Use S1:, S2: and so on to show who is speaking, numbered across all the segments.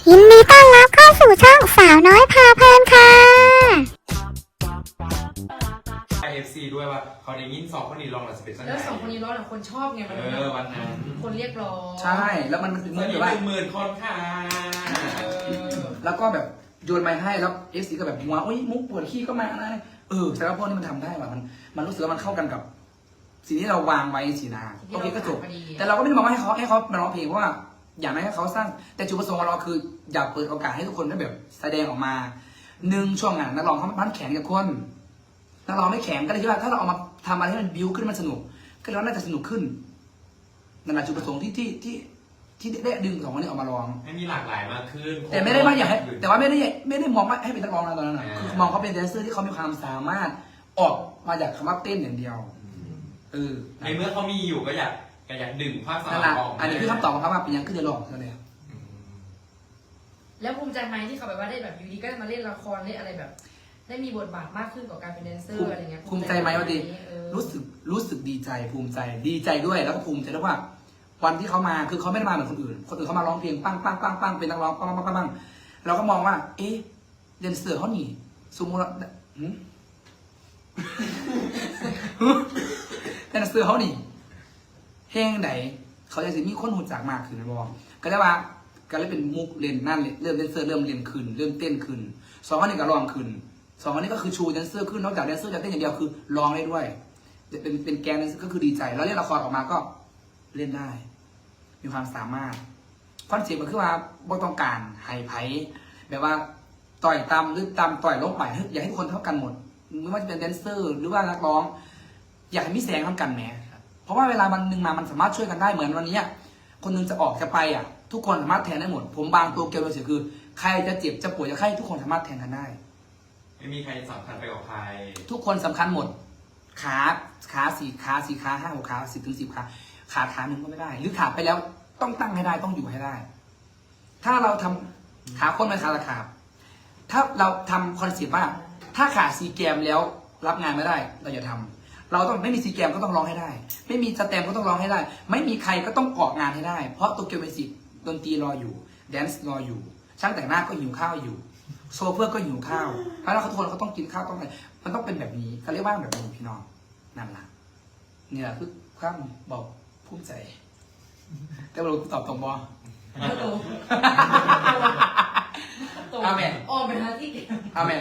S1: ยินดีต้อนรับเข้าสู่ช่องสาวน้อยพาเพลินค่ะ
S2: IFC ด้วยว่าเขาได้ยินสองคนนี้ร้องหลังสเปซซัน
S3: แล้วสองคนนี้ร้องหลังคนชอบไงมัน
S2: วันนั้น
S3: คนเรียกร้อง
S4: ใช่แล้วมันเหมือนแบบว่า
S2: 10,000 คนค่ะ
S4: แล้วก็แบบโยนไม้ให้แล้วเอฟซีก็แบบหัวอุ้ยมุกปวดขี้ก็มาอะไรแต่ว่าพวกนี้มันทำได้ว่ะมันรู้สึกว่ามันเข้ากันกับสิ่งที่เราวางไว้สีนาโอเคก็จบแต่เราก็ไม่ได้มองว่าให้เขามาร้องเพลงเพราะว่าอยากให้เขาสร้างแต่จุดประสงค์ของเราคืออยากเปิดโอกาสให้ทุกคนได้แบบแสดงออกมาช่วงงานนักร้องเขามันแข็งกับคนนักร้องไม่แข็งก็เลยคิดว่าถ้าเราเอามาทำอะไรให้มันบิ้วขึ้นมันสนุกก็เราน่าจะสนุกขึ้นนั่นแหละจุดประสงค์ที่ได้ดึงสองคนนี้ออกมาร้อง
S2: ให้มีหลากหลายมากขึ้น
S4: แต่ไม่ได้ว่าอยากให้แต่ว่าไม่ได้มองว่าให้เป็นนักร้องนะตอนนั้นนะคือมองเขาเป็นแดนเซอร์ที่เขามีความสามารถออกมาจากคำว่าเต้นอย่างเดียว
S2: ในเมื่อเขามีอยู่ก็อยากดึงภาคสนามออก
S4: อันนี้คือคำตอบของเขาว่าเป็นยังขึ้นเดือดร้อนนั่นเอง
S3: แล้วภูมิใจไหมที่เขาแบบว่าได้แบบอยู่ดีก็มาเล่นละครเล่นอะไรแบบ ได้มีบทบาทมากขึ้นกับการเป็นแดนเซอร์อะไรเงี้ย
S4: ภูมิใจไหมว่าดีรู้สึกดีใจภูมิใจดีใจด้วยแล้วก็ภูมิใจด้วยว่าวันที่เขามาคือเขาไม่ได้มาเหมือนคนอื่นเขามาร้องเพลงปังเป็นนักร้องปังเราก็มองว่าเอ๊ะแดนเซอร์เขาหนีสมมติแดนเซอร์เขาหนีเพลงไหนเขาจะมีคนหูจักมากขึ้นนะบอกก็ได้ว่าก็เลยเป็นมุกเล่นนั่นเริ่มแดนเซอร์เริ่มเล่นขึ้นเริ่มเต้นขึ้นสองคนนี้ก็ร้องขึ้นสองคนนี้ก็คือชูแดนเซอร์ขึ้นนอกจากแดนเซอร์จะเต้นอย่างเดียวคือร้องได้ด้วยเป็นแกนแดนเซอร์ก็คือดีใจแล้วเล่นละครออกมาก็เล่นได้ มีความสามารถคอนเซ็ปต์มันคือว่าบ่ต้องการไฮไพแบบว่าต่อยตำหรือตำต่อยลงไปอยากให้ทุกคนเท่ากันหมดไม่ว่าจะเป็นแดนเซอร์หรือว่านักร้อง อยากให้มีแสงเท่ากันแหมเพราะว่าเวลาวันหนึ่งมามันสามารถช่วยกันได้เหมือนวันนี้คนหนึงจะออกจะไปทุกคนสามารถแทนได้หมดผมบางตัวเกี่ยวกับเสียคือใครจะเจ็บจะป่วยจะไข้ทุกคนสามารถแทนกันได้
S2: ไม่มีใครสำคัญไปกว่าใคร
S4: ทุกคนสำคัญหมดขาสี่ขาห้าหกขา10 ถึง 10ขาหนึ่งก็ไม่ได้หรือขาไปแล้วต้องตั้งให้ได้ต้องอยู่ให้ได้ ถ้าเราทำขาคนไม่ขาละขาถ้าเราทำคอนเซ็ปต์ว่าถ้าขาซีแกมแล้วรับงานไม่ได้เราอย่าทำเราต้องไม่มีซีแกมก็ต้องร้องให้ได้ ไม่มีสแตมก็ต้องร้องให้ได้ ไม่มีใครก็ต้องออกงานให้ได้เพราะโตเกียวมิวสิกดนตรีรออยู่แดนซ์รออยู่ช่างแต่งหน้าก็หิวข้าวอยู่โซเฟอร์ก็หิวข้าวเพราะเราทุกคนเขาต้องกินข้าวต้องอะไรมันต้องเป็นแบบนี้เขาเรียกว่าแบบนี้พี่น้องนั่นแหละนี่แหละคือความบอกภูมิใจแต่เราตอบตรงบอ อาเมน
S3: ออกไปหาที่
S4: อาเมน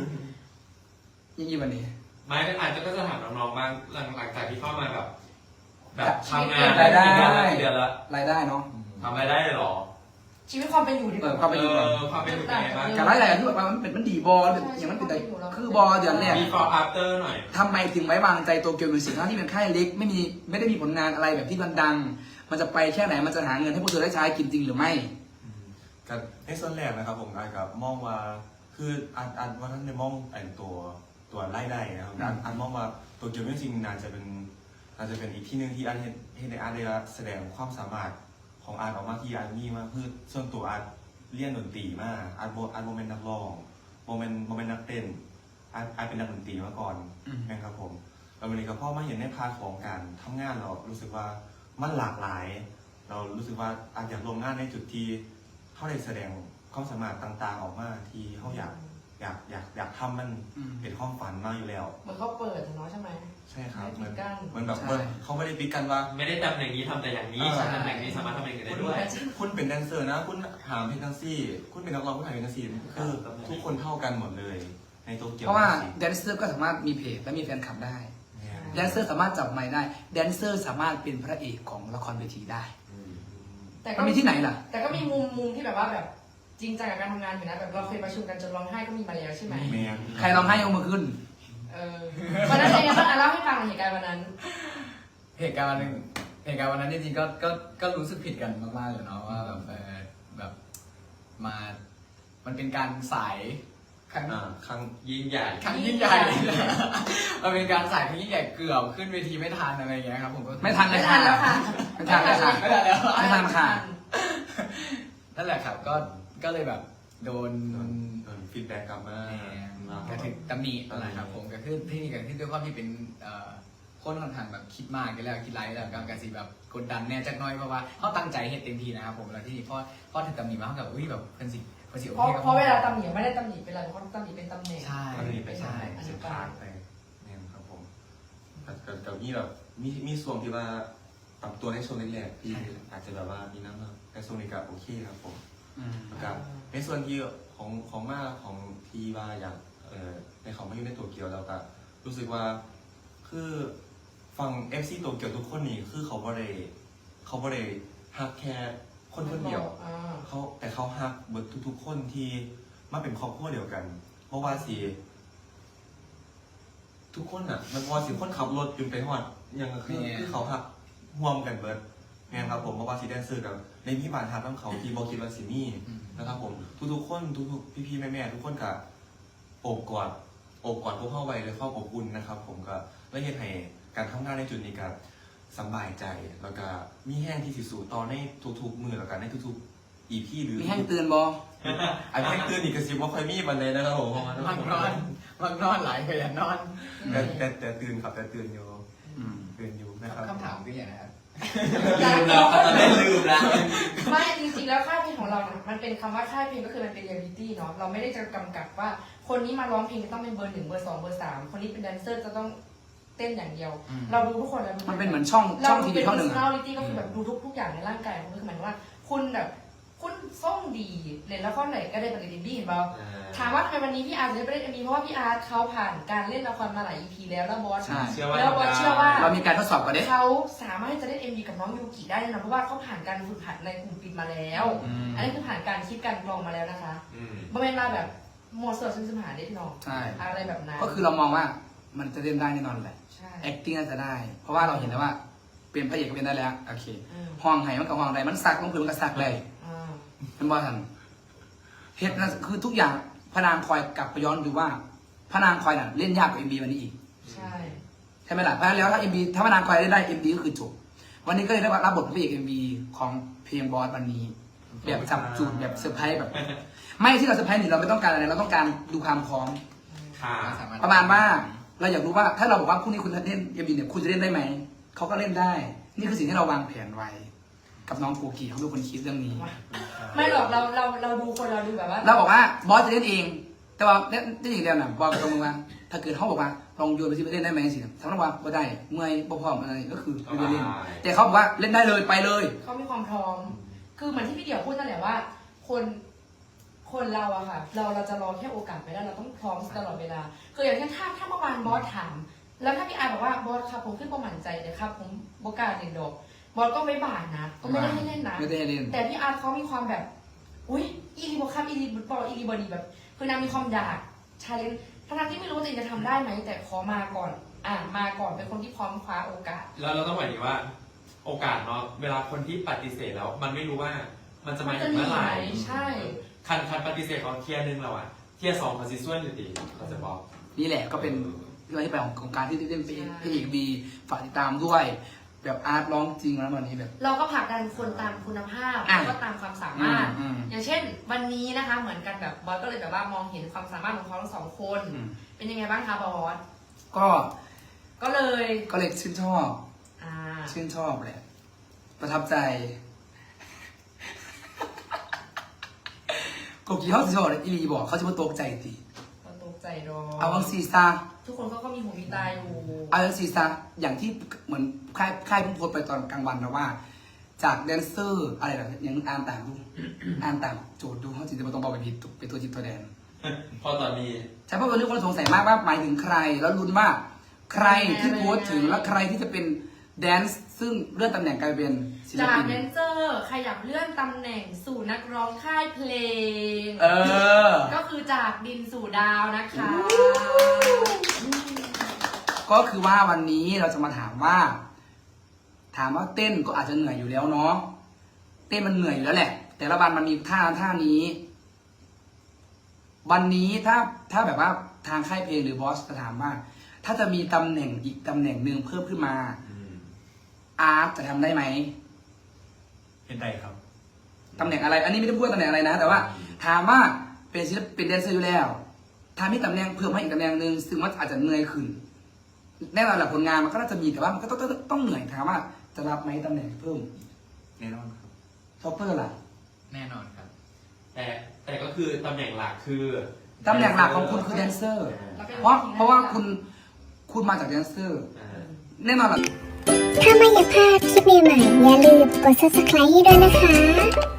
S4: ยี่วันนี้
S2: ไม่อาจจะก็จะถามน้องๆบ้างหลังจากที่เข้ามาแบบทำงาน
S4: รายได้
S2: เดือนละ
S4: รายได้เนาะ
S2: ทำรายได้เลยหรอ
S3: ชีวิตความเป็นอยู่ที่แบบ
S4: ความเป็นอยู่
S2: ความเป็นอยู่เป็นไงบ้าง
S4: การรายได้ที่แบบว่ามันดีบออย่างมันเป็นคือบอเดือนแรก
S2: before after หน่อย
S4: ทำไมถึงไว้วางใจโตเกียวมิวสิกทั้งที่เป็นค่ายเล็กไม่ได้มีผลงานอะไรแบบที่มันดัง มันจะไปแค่ไหนมันจะหาเงินให้พวกเธอได้ใช้กินจริงหรือไม่
S5: กับในส่วนแรกนะครับผมอาจกับมองว่าคืออันว่าท่านในมองตัวไล่ได้นะครับอันมองว่าตัวเกียวจริงน่าจะเป็นอีกที่หนึ่งที่อันเห็นในอาร์ตได้แสดงความสามารถของอาร์ตออกมาที่อาร์ตมีมากคือส่วนตัวอาร์ตเรียนดนตรีมากอาร์ตโมเมนต์นักร้องโมเมนต์นักเต้นอาร์ตเป็นนักดนตรีมาก่อนนะครับผมแล้ววันนี้ก็พ่อมาเห็นในพาร์ทของการทำงานเรารู้สึกว่ามันหลากหลาย เรารู้สึกว่าอาจอยากลงงานในจุดที่เขาได้แสดงความสามารถต่างๆออกมาที่เขาอยากทำมันเป็นความฝันมากอยู่แล้ว
S3: เหมือนเขาเปิดเนาะใช่ไหม
S5: ใช่ครับ
S3: ไม่ปิดกั้น
S5: มันแบบเขาไม่ได้ปิดกันว่า
S2: ไม่ได้ตำแหน่งนี้ทำแต่อย่างนี้ตำแหน่งนี้สามารถทำอย่างอื่นได้ด้วย
S5: คุณเป็นแดนเซอร์นะ คุณหามเพลงทั้งซี่ คุณเป็นนักร้องคุณหามเพลงทั้งซี่คือทุกคนเท่ากันหมดเลยในโตเกียว
S4: เพราะว่าแดนเซอร์ก็สามารถมีเพจและมีแฟนคลับได้แดนเซอร์สามารถจับไมค์ได้แดนเซอร์สามารถเป็นพระเอกของละครเวทีได้
S3: แต่ก็
S4: มันมีที่ไหนล่ะ
S3: แต่ก็มีมุมที่แบบว่าแบบจริงจังกับการทำงานอยู่นะแบบเราเคยประชุมกันจนร้องไห้ก็มีมาแล้วใช่ไหม
S4: ใครร้องไห้ยกมือขึ้น
S3: วันนั้นเป็นไงบ้างเล่าให้ฟังหน่อยเหตุการณ์วันนั้น
S6: เหตุการณ์วันนั้นจริงๆก็รู้สึกผิดกันมากๆเลยเนาะว่าแบบมันเป็นการสายครั้ง
S2: ยิ่งใหญ่
S6: ยิ่งใหญ่ มันเป็นการสายครั้งยิ่งใหญ่เกือบขึ้นเวทีไม่ทันอะไรอย่างเงี้ยครับผมก็
S4: ไม่ทันเลย
S3: ไม่ทันแล้วค่ะ
S4: ไม่ทันเลยค่ะ
S6: ไม่ทันแล้ว
S4: ไม่ทันค่ะ
S6: นั่นแหละครับก็เลยแบบโดน
S5: ฟีดแบ็กกลับมา
S6: กระถึงตำหนิอะไรครับผมก็คือที่นี่ก็คือด้วยความที่เป็นคนค่อนข้างแบบคิดมากกันแล้วคิดไรแล้วการสิแบบกดดันแน่จักหน้อยเพราะว่าเขาตั้งใจเฮ็ดเต็มที่นะครับผมแล้วที่นี่พอถึงตำหนิมาเขาแบบอุ้ยแบบเพิ่นสิโอ
S3: เพ
S6: เคกับ
S3: ราะเวลาตำหนิไม่ได้ตำหนิเป็นอะไรเขาตำหนิเป็นตำแหน่ง
S6: ใช่
S5: ก็เลยไป
S6: ใช่
S5: ใช่สินค้าไปเนี่ยครับผมกับนี่แบบมีส่วนที่ว่าปรับตัวในช่วงแรกๆที่อาจจะแบบว่ามีน้ำหนักแต่ช่วงนี้ก็โอเคครับผม กับในส่วนที่ของมาของทีว่าอยากในของมาอยู่ในโตเกียวแล้วก็รู้สึกว่าคือฟัง FC โตเกียวทุกคนนี่คือเขาบ่ได้ฮักแค่คนเดียวแต่เขาฮักเบิดทุกๆคนที่มาเป็นครอบครัวเดียวกัน เพราะว่าสิทุกคนอ่ะมันพอสิคนขับรถจนไปฮอดยังคือเขาฮักร่วมกันเบิดไงครับผมเพราะว่าสิแดนเซอร์กับในมีบานทับน้ำเขาที่บอกคิดว่าสิมีนะครับผมทุกๆคนทุกพี่ๆแม่ๆทุกคนกับโอบกอดพวกเข้าไว้เลยความอบอุ่นนะครับผมก็และเฮ็ดให้การทำงานในจุดนี้กับสบายใจแล้วก็มีแห้งที่สิสู่ต่อในทุกๆมือแล้วกันในทุกๆ EP หรือ
S4: มีแห้งเตือนบอ
S5: ไอ้แห้งตื่นอีกกระซิบว่าค่อยมีบันเลยนะครับผม
S6: มักนอนหลายเคยอยากนอน
S5: แต่ตื่นครับแต่ตื่นอยู่นะครับ
S6: คำถามคืออย่างไรครับ
S2: ลืมแล้วตอนนี้ลืมแล้ว
S3: ไม่จริงๆแล้วค่ายเพลงของเราเนี่ยมันเป็นคำว่าค่ายเพลงก็คือมันเป็นเรียลลิตี้เนาะเราไม่ได้จะกำกับว่าคนนี้มาร้องเพลงต้องเป็นเบอร์ 1 เบอร์ 2 เบอร์ 3คนนี้เป็นแดนเซอร์จะต้องเต้นอย่างเดียว เราดูทุกคนเราดู
S4: มันเป็นเหมือนช่อง
S3: เรา
S4: ที
S3: เป็
S4: วี
S3: น
S4: ช่องหนึ่ง
S3: personality ก็คือแบบดูทุกอย่างในร่างกายของคุณคือหมายถึงว่าคุณแบบคุณส่งดีเล่นละครไหนก็ได้ปกติดีเห็นเปล่าถามว่าทำไมวันนี้พี่อาร์ตจะไม่ได้เล่น MV เพราะว่าพี่อาร์ตเขาผ่านการเล่นละครมาหลาย EP แล้วแล้วบอส
S4: ใช่
S3: แล้วบอสเชื่อว่า
S4: เรามีการทดสอบกันเด้
S3: เขาสามารถที่จะเล่น MV กับน้องยูกิได้นะเพราะว่าเขาผ่านการฝึกหัดในกลุ่มปิดมาแล้ว อันนี้คือผ่านการคิดการกรองมาแล้วนะคะบริเวณมาแบบโมเสสซึ่งสมหาเด็กน้อง
S4: ใช่
S3: อะไรแบบนั้น
S4: ก็คือเรามองว่ามันจะเล่นได้แน่นอนแหละ
S3: ใช่
S4: acting น่าจะได้ เพราะว่าเราเห็นแล้วว่าเป็นพระเอกก็เป็นได้แล้วโอเค
S3: อืม
S4: ห้องไห้มันกับห้องใดมันสักลงพื้นมันก็สักเลย
S3: อ่า
S4: เป็นบอทันเฮ็ดนะคือทุกอย่างพระนางคอยกลับไปย้อนดูว่าพระนางคอยน่ะเล่นยากกว่า MB วันนี้อีก
S3: ใช่
S4: ใช่ไหมล่ะเพราะฉะนั้นแล้วถ้า MB ถ้าพระนางคอยเล่นได้ MB ก็คือจบวันนี้ก็เลยได้รับบทพระเอก MB ของเพลงบอสวันนี้ แบบจับจูดแบบเซอร์ไพรส์แบบ ไม่ที่เราเซอร์ไพรส์นี่เราไม่ต้องการอะไรเราต้องการดูความพร้อม
S2: ค่ะ
S4: ประมาณว่าเราอยากรู้ว่าถ้าเราบอกว่าพรุ่งนี้คุณจะเล่น MB เนี่ยคุณจะเล่นได้ไหมเขาก็เล่นได้ นี่คือสิ่งที่เราวางแผนไว้ กับน้องโกกีเขาเป็นคนคิดเรื่องนี้
S3: ไม่หรอกเราดูคนเราดูแบบว่า
S4: เราบอกว่าบอสจะเล่นเอง แต่ว่าเล่นอย่างเดียวนะบอกตรงว่าถ้าเกิดเขาบอกว่าลองโยนไปสิไปเล่นได้ไหมสิสำหรับว่าบ่ได้เมื่อยบ่พร้อมอะไรก็คือไม่ได้เล่น แต่เขาบอกว่าเล่นได้เลยไปเลย
S3: เขามีความพร้อม คือเหมือนที่พี่เดี่ยวพูดนั่นแหละว่า คนเราอะค่ะ เราจะรอแค่โอกาสไม่ได้เราต้องพร้อมตลอดเวลาคืออย่างเช่นถ้าเมื่อวานบอสถาม แล้วถ้าพี่อาร์บอกว่าบอสครับผมขึ้นประมั่นใจเลยครับผมโบกล้าเล่นดอกบอสก็ไม่บานนะก็ไม่ได้ให้เล่นนะ
S4: ไม่ได้ให้เล่น
S3: แต่พี่อาร์ตเขามีความแบบ อุ๊ย อีรีบอครับอีรีบุตบอลอีรีบอดีแบบ คือนางมีความอยากชาเลนจ์ทั้งที่ไม่รู้ว่าตัวเองจะทำได้ไหม แต่ขอมาก่อน มาก่อนเป็นคนที่พร้อมคว้าโอกาส
S2: แล้วเราต้องหมายถึงว่า โอกาสเนาะเวลาคนที่ปฏิเสธแล้ว มันไม่รู้ว่ามันจะมาถึงเมื่อไหร่
S3: ใช่
S2: คันปฏิเสธเขาเทียร์หนึงเราอะเทียร์ 2เขาซิส่วนอยู่ดีเขาจะบอก
S4: นี่แหละก็เป็นเรื่องที่ไปของการที่เล่นพี่เอกบีฝากติดตามด้วย แบบอาร์ตร้องจริงแล้ววันนี้แบบ
S3: เราก็ผลักดันคนตามคุณภาพ
S4: อ่ะ
S3: แล้วก็ตามความสามารถ
S4: อืม
S3: อย่างเช่น วันนี้นะคะ เหมือนกันแบบบอสก็เลยแบบว่ามองเห็นความสามารถของเขาทั้งสองคน
S4: อืม
S3: เป็นยังไงบ้างคะบอส
S4: ก็
S3: ก็เลย
S4: ชื่นชอบ
S3: อ่า
S4: ชื่นชอบแหละประทับใจกกีเขาสิชอบอีลีบอกเขาจะมาตกใจตี
S3: ก็ตกใจรอ
S4: เอาวังซีซา
S3: ทุกคนเขาก็มีหูมีตาอยู่
S4: เอาวังซีซาอย่างที่เหมือนค่ายเพิ่งโพสต์ไปตอนกลางวันนะว่า จากแดนเซอร์อะไรนะยังอ่านตามดู อ่านตามโจทย์ดูเขาจริงๆมันต้องบอกไปผิดเป็นตัวจิตตัวแดน
S2: พอตอนนี้
S4: ใช่เพราะวันนี้คนสงสัยมากว่าหมายถึงใคร แล้วลุ้นว่าใครที่โพสต์ถึงและใครที่จะเป็นแดนซ์ซึ่งเลื่อนตำแหน่งกลายเป็นศิล
S3: จาก
S4: ปิน
S3: แดนเซอร์ขยับเลื่อนตำแหน่งสู่นักร้องค่ายเพลง
S4: เออ
S3: ก็คือจากดินสู่ดาวนะคะ
S4: ก็คือว่าวันนี้เราจะมาถามว่าเต้นก็อาจจะเหนื่อยอยู่แล้วเนาะเต้นมันเหนื่อยอยู่แล้วแหละ แต่ละวันมันมีท่านี้ วันนี้ถ้าแบบว่าทางค่ายเพลงหรือบอสจะถามว่า ถ้าจะมีตำแหน่งอีกตำแหน่งหนึ่งเพิ่มขึ้นมาอาร์ตจะทำได้ไหม
S5: เห็นได้ครับ
S4: ตำแหน่งอะไร อันนี้ไม่ได้พูดว่าตำแหน่งอะไรนะ แต่ว่าถามว่าเป็นศิลปินแดนเซอร์อยู่แล้วถ้ามีตำแหน่งเพิ่มให้อีกตำแหน่งหนึ่งซึ่งมันอาจจะเหนื่อยขึ้นแน่นอนแหละผลงานมันก็น่าจะมีแต่ว่ามันก็ต้องเหนื่อยถามว่าจะรับไหมตำแหน่งเพิ่ม
S5: แน่นอนครับ
S4: ท็อปเปอร์ล่ะ
S6: แน่นอนครับ
S2: แต่ก็คือตำแหน่งหลักคือ
S4: ตำแหน่งหลักของคุณคือแดนเซอร์
S3: แล้วก็
S4: เพราะว่าคุณมาจากแดนเซอร์ แน่นอนแหละ
S1: ถ้าไม่อยากพลาดคลิปใหม่ๆอย่าลืมกด subscribe ให้ด้วยนะคะ